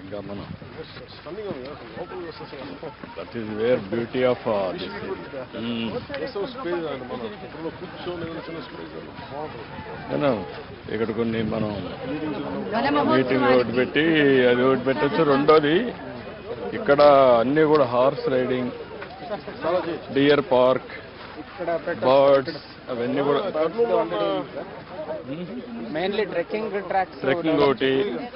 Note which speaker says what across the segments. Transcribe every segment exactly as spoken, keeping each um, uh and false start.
Speaker 1: Gamana.
Speaker 2: Stunning on the local
Speaker 1: That is where beauty of uh, this is. Mm.
Speaker 2: So space అండి మనం ఇప్పుడు కూర్చొని చిన్న space
Speaker 1: కదా ఇక్కడ కొన్ని మనం మీటింగ్ ఒకటి పెట్టి అది ఒకటి పెట్టచ్చు. రెండోది ఇక్కడ అన్నీ కూడా horse riding, deer park, birds అవన్నీ కూడా
Speaker 3: మెయిన్లీ ట్రెక్కింగ్ ట్రాక్స్
Speaker 1: ట్రెక్కింగ్ ఒకటి.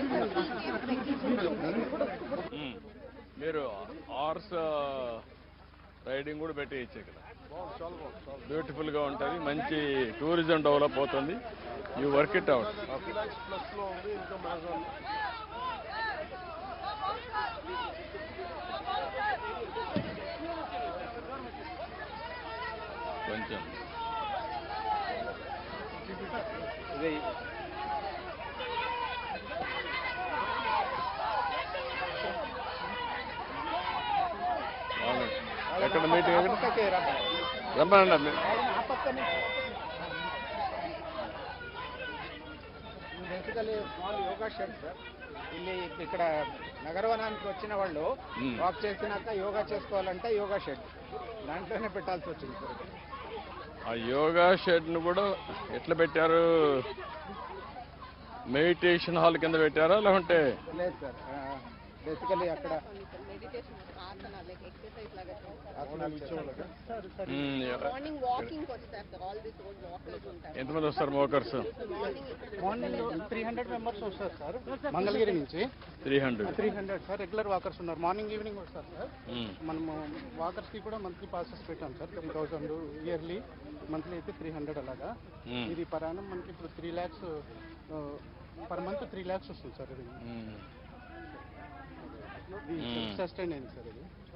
Speaker 1: మీరు హార్స్ రైడింగ్ కూడా పెట్టేయచ్చు ఇక్కడ. బ్యూటిఫుల్ గా ఉంటుంది, మంచి టూరిజం డెవలప్ అవుతుంది. You work it out. కొంచెం ఎక్కడ మీటింగ్ ఎక్కడ రమ్మనండి.
Speaker 3: Basically small yoga shed sir. ಇಲ್ಲಿ ఇక్కడ నగరవనానికి వచ్చిన వాళ్ళు వాక్ చేసినాక యోగా చేసుకోవాలంటే యోగా షెడ్ దాంట్లోనే పెట్టాల్సి వచ్చింది సార్.
Speaker 1: ఆ యోగా షెడ్ ను కూడా ఎట్లా పెట్టారు? మెడిటేషన్ హాల్ కింద పెట్టారా లేకుంటే?
Speaker 3: లేదు సార్, బేసికలీ అక్కడ
Speaker 1: ఎంతమంది వస్తారు walkers?
Speaker 3: Morning three hundred members వస్తారు సార్ మంగళగిరి నుంచి.
Speaker 1: Three hundred
Speaker 3: three hundred sir regular walkers ఉన్నారు. మార్నింగ్ ఈవినింగ్ వస్తారు సార్. మనము వాకర్స్ కి కూడా మంత్లీ పాసెస్ పెట్టాం sir. Three thousand yearly, monthly అయితే త్రీ హండ్రెడ్ అలాగా. ఇది పరాణం మనకి ఇప్పుడు three lakhs per month three lakhs వస్తుంది సార్. ఇది సస్టైన్ అయింది సార్. ఇది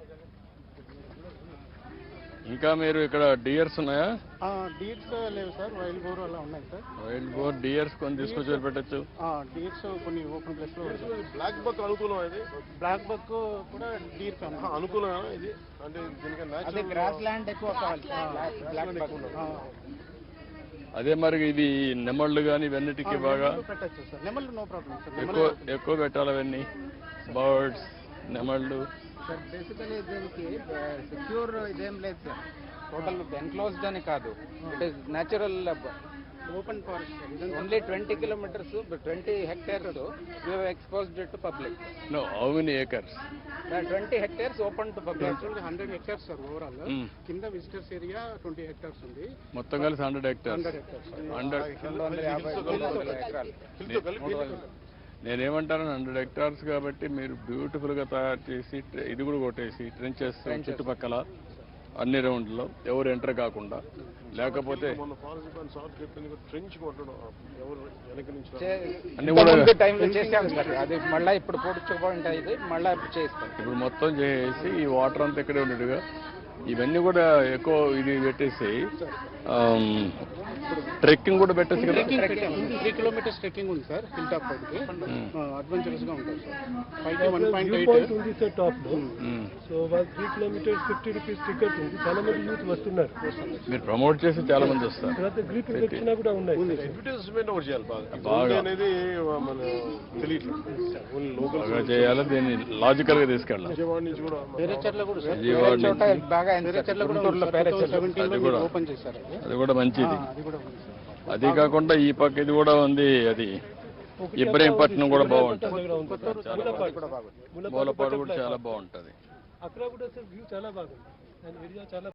Speaker 1: ఇంకా మీరు ఇక్కడ డియర్స్ ఉన్నాయా?
Speaker 3: డీర్స్ లేవు సార్, వైల్డ్ బోర్ అలా ఉన్నాయి సార్.
Speaker 1: వైల్డ్ బోర్ డియర్స్ కొన్ని తీసుకొచ్చి పెట్టచ్చు.
Speaker 3: డీర్స్ కొన్ని ఓపెన్ ప్లేస్ లో.
Speaker 2: బ్లాక్ బక్ అనుకూలం ఇది.
Speaker 3: బ్లాక్ బక్ కూడా డీర్
Speaker 2: అనుకూలమేనా ఇది? అంటే దీనికి
Speaker 3: అదే గ్రాస్ ల్యాండ్ ఎక్కువ కావాలి.
Speaker 1: అదే మరి ఇది నెమళ్ళు కానీ ఇవన్నిటికీ బాగా
Speaker 3: పెట్టచ్చు సార్. నెమళ్ళు నో ప్రాబ్లం సార్.
Speaker 1: ఎక్కువ ఎక్కువ పెట్టాలి అవన్నీ, బర్డ్స్, నెమళ్ళు.
Speaker 3: సార్ బేసికలీ దీనికి సెక్యూర్ ఇదేం లేదు సార్. టోటల్ ఎన్క్లోజ్డ్ అని కాదు, it is natural open forest. Only twenty kilometers twenty hectares exposed to public.
Speaker 1: No, how many acres?
Speaker 3: Twenty hectares open to public. Hundred hectares sir overall. కింద visitors area twenty hectares ఉంది.
Speaker 1: మొత్తం కలిసి hundred hectares.
Speaker 3: Hundred hectares
Speaker 1: hundred. నేనేమంటాను, hundred hectares కాబట్టి మీరు beautiful గా తయారు చేసి ఇది కూడా కొట్టేసి ట్రెంచెస్ చుట్టుపక్కల అన్ని రౌండ్లో ఎవరు ఎంటర్ కాకుండా, లేకపోతే
Speaker 3: అది మళ్ళీ ఇప్పుడు పొడుచుకుంటాయి. మళ్ళీ చేస్తాం.
Speaker 1: ఇప్పుడు మొత్తం చేసి ఈ వాటర్ అంతా ఇక్కడే ఉన్నట్టుగా ఇవన్నీ కూడా ఎక్కువ ఇది పెట్టేసి ట్రెక్కింగ్ కూడా పెట్టేసి కదా.
Speaker 3: త్రీ కిలోమీటర్స్ ట్రెక్కింగ్ ఉంది సార్. హిల్ టాప్ పైకి అడ్వెంచరస్ గా ఉంటుంది సార్. పైకి వన్ పాయింట్ ఎయిట్
Speaker 4: ఉంది సార్ టాప్ లో. సో వాళ్ళు three kilometers fifty rupees ticket ఉంది. చాలా మంది యూత్ వస్తున్నారు.
Speaker 1: మీరు ప్రమోట్ చేసి చాలా మంది వస్తారు.
Speaker 4: తర్వాత గ్రూప్ ప్రదక్షిణ కూడా ఉన్నాయి.
Speaker 2: అడ్వర్టైజ్మెంట్ ఒకటి చేయాలి బాగా.
Speaker 1: బాగా
Speaker 2: అనేది మన తెలియట్లేదు.
Speaker 1: బాగా చేయాలి. దీన్ని లాజికల్ గా తీసుకెళ్ళాలి.
Speaker 2: విజయవాడ నుంచి కూడా
Speaker 1: విజయవాడ
Speaker 3: బాగా ఓపెన్ చేశారు.
Speaker 1: అది కూడా మంచిది. అది కాకుండా ఈ పక్క ఇది కూడా ఉంది, అది ఇబ్రహీంపట్నం కూడా బాగుంటుంది. మూలపాడు కూడా చాలా బాగుంటుంది.
Speaker 4: అక్కడ కూడా సార్ వ్యూ చాలా బాగుంది. చాలా